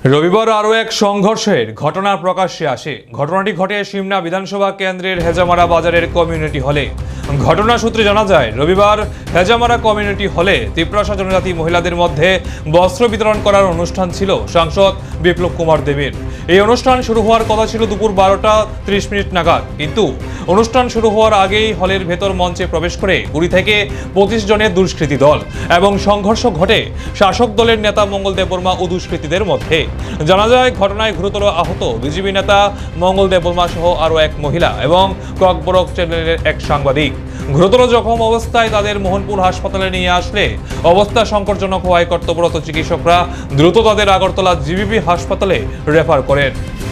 রবিবার আরও এক সংঘর্ষের ঘটনা প্রকাশ্যে আসে। ঘটনাটি ঘটে সিমনা বিধানসভা কেন্দ্রের হেজামারা বাজারের কমিউনিটি হলে। ঘটনা সূত্রে জানা যায়, রবিবার হেজামারা কমিউনিটি হলে তিপ্রাসা জনজাতি মহিলাদের মধ্যে বস্ত্র বিতরণ করার অনুষ্ঠান ছিল সাংসদ বিপ্লব কুমার দেবের। এই অনুষ্ঠান শুরু হওয়ার কথা ছিল দুপুর 12:30 নাগাদ, কিন্তু অনুষ্ঠান শুরু হওয়ার আগেই হলের ভেতর মঞ্চে প্রবেশ করে 20 থেকে 25 জনের দুষ্কৃতী দল এবং সংঘর্ষ ঘটে শাসক দলের নেতা মঙ্গল দেববর্মা ও দুষ্কৃতীদের মধ্যে। জানা যায়, ঘটনায় গুরুতর আহত বিজেপি নেতা মঙ্গল দেববর্মা সহ আরও এক মহিলা এবং ককবরক চ্যানেলের এক সাংবাদিক। গুরুতর জখম অবস্থায় তাদের মোহনপুর হাসপাতালে নিয়ে আসলে অবস্থা সংকটজনক হওয়ায় কর্তব্যরত চিকিৎসকরা দ্রুত তাদের আগরতলা জিবিপি হাসপাতালে রেফার করেন।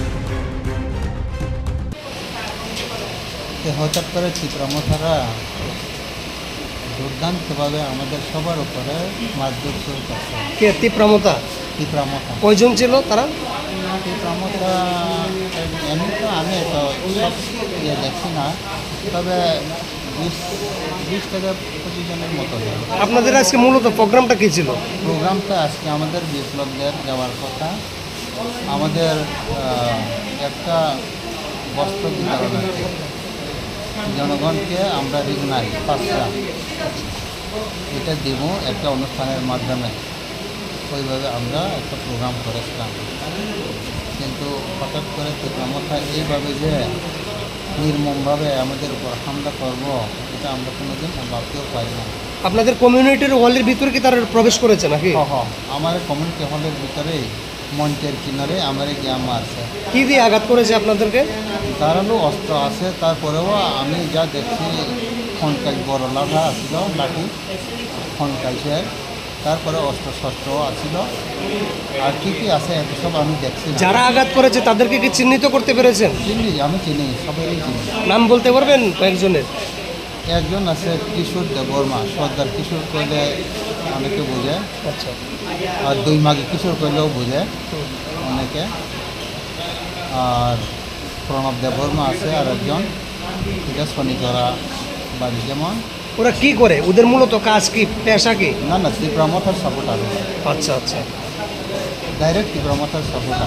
হঠাৎ করে চিত্রমথারা দুর্দান্তভাবে আমাদের সবার উপরে মারধর শুরু করছে। কে তীব্রমতা? চিত্রমথা কয়জন ছিল তারা? চিত্রমথা এমনি তো আমি তো সব দেখছি না, তবে 20 থেকে 25 জনের মতো। আপনাদের আজকে মূলত প্রোগ্রামটা কি ছিল? প্রোগ্রামটা আজকে আমাদের বিপ্লবদের দেওয়ার কথা। আমাদের একটা বস্ত্র বিতরণ আছে জনগণকে, আমরা রিগনাই পাঁচটা এটা দেব একটা অনুষ্ঠানের মাধ্যমে। ওইভাবে আমরা একটা প্রোগ্রাম করেছিলাম, কিন্তু হঠাৎ করে চিত্রমথা এইভাবে যে নির্মমভাবে আমাদের উপর হামলা করব, এটা আমরা কোনোদিন ভাবতেও পারি না। আপনাদের কমিউনিটির হলের ভিতরে কি তারা প্রবেশ করেছে নাকি? আমার কমিউনিটি হলের ভিতরেই মঞ্চের কিনারে আমার গ্যাম আছে। কি দিয়ে আঘাত করেছে আপনাদেরকে? ধারালো অস্ত্র আছে, তারপরেও আমি যা দেখছি খনকাই বড় লাঠা আসছিল, লাঠি খনকাইছে, তারপরে অস্ত্র শস্ত্রও আসছিল, আর কী কী আছে এত সব আমি দেখছি না। যারা আঘাত করেছে তাদেরকে কি চিহ্নিত করতে পেরেছেন? আমি চিনি, সবাই চিনি। নাম বলতে পারবেন কয়েকজনের? একজন আছে কিশোর দেববর্মা, সর্দার কিশোর কইলে অনেকে বোঝে, আচ্ছা। আর দুই মাগে কিশোর কইলেও বোঝে অনেকে। আর প্রণব দেববর্মা আছে আর একজন, এটা শনিচরা বাড়ি। যেমন ওরা কি করে? ওদের মূলত কাজ কি, পেশা কি? না তীব্রমথার সাপোর্টার। আচ্ছা আচ্ছা। ডাইরেক্ট তীব্রমথার সাপোর্টার।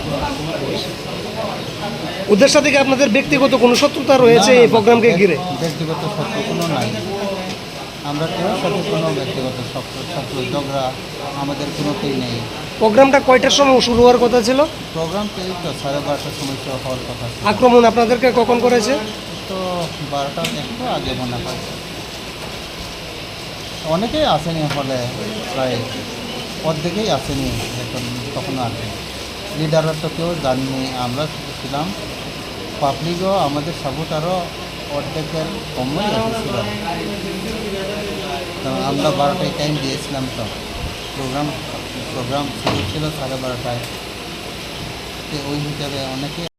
ওদের সাথে কি আপনাদের ব্যক্তিগত কোনো শত্রুতা রয়েছে এই প্রোগ্রামকে ঘিরে? ব্যক্তিগত শত্রু কোনো নাই, আমরা কেউ সাথে কোনো ব্যক্তিগত শত্রু ঝগড়া আমাদের কোনোতেই নেই। প্রোগ্রামটা কয়টার সময় শুরু হওয়ার কথা ছিল? প্রোগ্রাম তো এই তো 12:30টার সময় হওয়ার কথা ছিল। আক্রমণ আপনাদেরকে কখন করেছে? তো 12টার একটু আগে মনে হয়। অনেকেই আসেনি হলে, প্রায় অর্ধেকেই আসেনি এখন, তখনও আসেনি। লিডাররা তো কেউ জানিনি, আমরা ছিলাম। পাবলিকও আমাদের সাপোর্টারও অর্ধেকের কমই এসেছিল। তো আমরা 12টায় টাইম দিয়েছিলাম, তো প্রোগ্রাম শুরু ছিল 12:30টায়। তো ওই হিসাবে অনেকে